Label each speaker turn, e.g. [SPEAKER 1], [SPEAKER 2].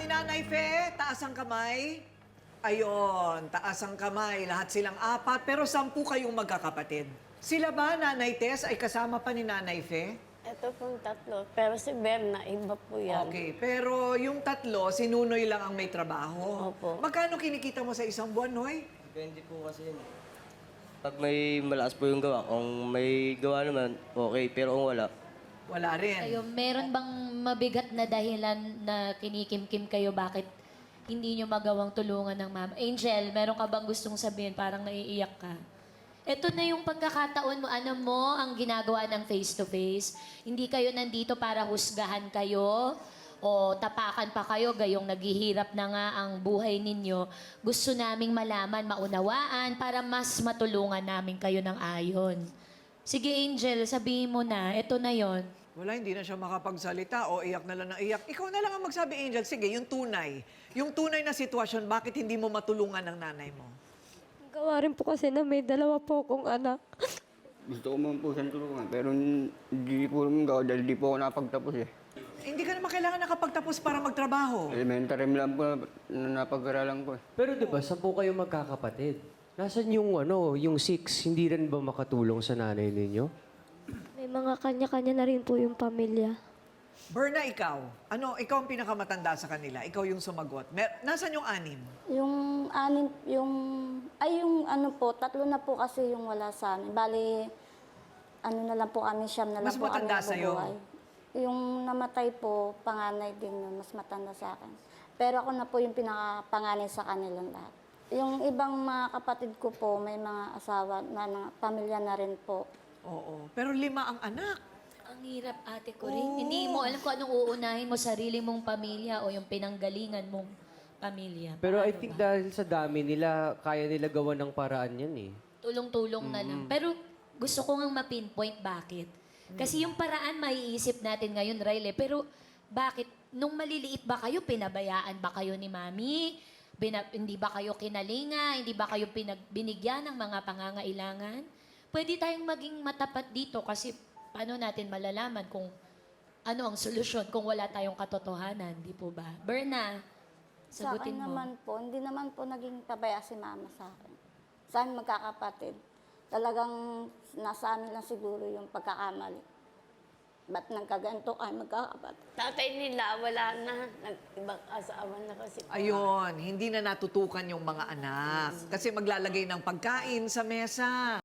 [SPEAKER 1] Nanay Fe, taas ang kamay. Ayon, taas ang kamay. Lahat silang apat, pero 10 kayong magkakapatid. Sila ba, Nanay Tess, ay kasama pa ni Nanay Fe?
[SPEAKER 2] Ito pong tatlo. Pero si Berna, iba po yan.
[SPEAKER 1] Okay, pero yung tatlo, si Nunoy lang ang may trabaho.
[SPEAKER 2] Opo.
[SPEAKER 1] Magkano kinikita mo sa isang buwan, Noy?
[SPEAKER 3] Depende po kasi yun. Pag may malakas po yung gawa, kung may gawa naman, okay. Pero kung wala,
[SPEAKER 1] Wala rin.
[SPEAKER 4] Kayo, meron bang mabigat na dahilan na kinikimkim kayo bakit hindi nyo magawang tulungan ng mama? Angel, meron ka bang gustong sabihin parang naiiyak ka? Ito na yung pagkakataon mo, ano mo, ang ginagawa ng face-to-face. Hindi kayo nandito para husgahan kayo o tapakan pa kayo gayong naghihirap na nga ang buhay ninyo. Gusto naming malaman, maunawaan para mas matulungan namin kayo ng ayon. Sige, Angel, sabihin mo na. Ito na yon.
[SPEAKER 1] Wala, hindi na siya makapagsalita o iyak na lang ng iyak. Ikaw na lang ang magsabi, Angel. Sige, yung tunay. Yung tunay na sitwasyon, bakit hindi mo matulungan ng nanay mo?
[SPEAKER 5] Gawa rin po kasi na may dalawa po akong anak.
[SPEAKER 6] Gusto ko man po siyang tulungan, pero hindi po naman gawa dahil di po ako napagtapos eh.
[SPEAKER 1] Hindi ka naman kailangan nakapagtapos para magtrabaho.
[SPEAKER 6] Elementary lang po na napag-aralan ko eh.
[SPEAKER 7] Pero 'di ba, 10 kayo magkakapatid. Nasaan yung yung 6, hindi rin ba makatulong sa nanay ninyo?
[SPEAKER 5] May mga kanya-kanya na rin po yung pamilya.
[SPEAKER 1] Berna, ikaw. Ano, ikaw ang pinakamatanda sa kanila. Ikaw yung sumagot. Nasaan yung 6?
[SPEAKER 2] Yung anim, yung ano po, tatlo na po kasi yung wala sa amin. Bali, ano na lang po kami, siyam na lang
[SPEAKER 1] Mas
[SPEAKER 2] po kami
[SPEAKER 1] matanda sa'yo?
[SPEAKER 2] nabubuhay. Yung namatay po, panganay din yun, mas matanda sa akin. Pero ako na po yung pinakapanganay sa kanilang lahat. Yung ibang mga kapatid ko po, may mga asawa na pamilya na rin po.
[SPEAKER 1] Oo. Pero 5 ang anak.
[SPEAKER 4] Ang hirap, ate ko rin. Hindi mo alam kung anong uunahin mo, sarili mong pamilya o yung pinanggalingan mong pamilya.
[SPEAKER 7] Pero I
[SPEAKER 4] Paano
[SPEAKER 7] think
[SPEAKER 4] ba?
[SPEAKER 7] dahil sa dami nila, kaya nila gawa ng paraan yan eh.
[SPEAKER 4] Tulong-tulong na lang. Pero gusto ko ngang ma-pinpoint bakit. Kasi yung paraan maiisip natin ngayon, Riley, pero bakit? Nung maliliit ba kayo, pinabayaan ba kayo ni Mami? Hindi ba kayo kinalinga? Hindi ba kayo binigyan ng mga pangangailangan? Pwede tayong maging matapat dito kasi paano natin malalaman kung ano ang solusyon kung wala tayong katotohanan, di po ba? Berna,
[SPEAKER 2] Sa akin
[SPEAKER 4] sagutin mo.
[SPEAKER 2] naman po, hindi naman po naging pabaya si mama sa akin. Sa amin magkakapatid. Talagang nasa amin lang siguro yung pagkakamali. Ba't nang kaganto ay magkakapatid? Tatay nila, wala na. Nag-ibang asawa na kasi.
[SPEAKER 1] Ayun, hindi na natutukan yung mga anak. Kasi maglalagay ng pagkain sa mesa.